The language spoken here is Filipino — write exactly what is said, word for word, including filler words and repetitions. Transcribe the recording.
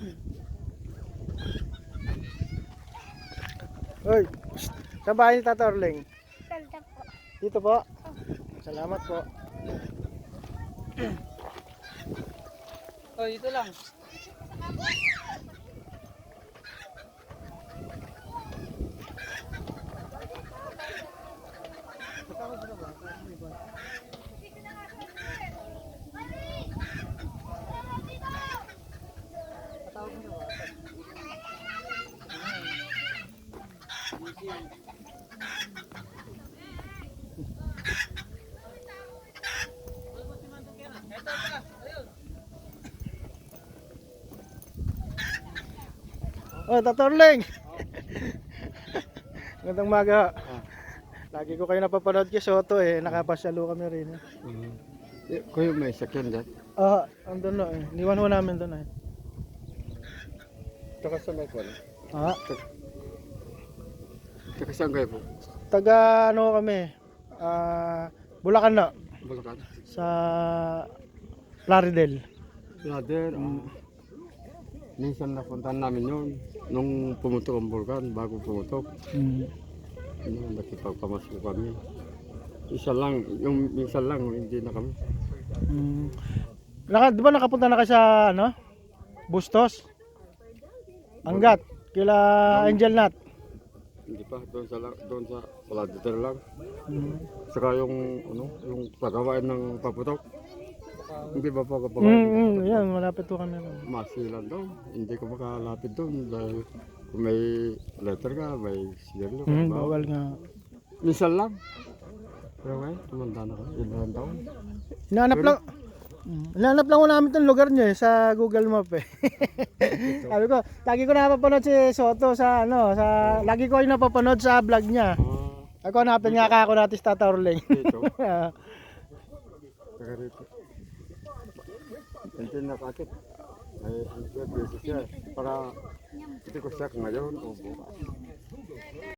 Hoy, saan bahay ni Tata Orling? Ganda po. Dito po. Salamat po. Oh, dito lang. Oh, Tata Orling. Magandang maga. Lagi ko kayo napapanood kay Soto eh. Nakapasyalo kami rin eh. Mm. Eh, Kuya, may sakyan dyan. Ah, andun na eh. Niwan ho namin doon eh. Taka saan kayo po? Ah, Taka saan kayo po? taga ano kami? Ah, Bulacan na. Bulacan? Sa Plaridel. Brother, ah, minsan napuntahan namin yun. Nung pumutok ang bulkan, bago pumutok. Mm. Ano, nakipagpamasko kami. Isa lang, yung minsan lang, hindi na kami. Mm. Naka, di ba nakapunta na kayo sa ano? Bustos? Anggat. Kila Angel Nut. Hindi pa, doon sa, la- doon sa Pladitor lang. Mm. Saka yung, ano, yung pagawain ng paputok. Hindi ba pa kapag Mm, mm, yan, malapit po kami. masilan daw. Hindi ko makalapit doon dahil kung may letter ka, may siyelo ka. Mm, bawal. bawal nga. Minsan lang. Pero ngayon, tumanda na ka. Ilan taon. Hinahanap Pero- lang. Mm, hinahanap lang ko namin itong lugar nyo eh, sa Google Map eh. Sabi ko, lagi ko napapanood si Soto sa ano, sa lagi ko yung napapanood sa vlog niya. Ah, Ako hanapin nga ka ako natin sa Tata Orling. dito. Taga rito. Hindi na kakit. Ay, ano siya, busy siya. Para hindi ko siya ngayon o bukas.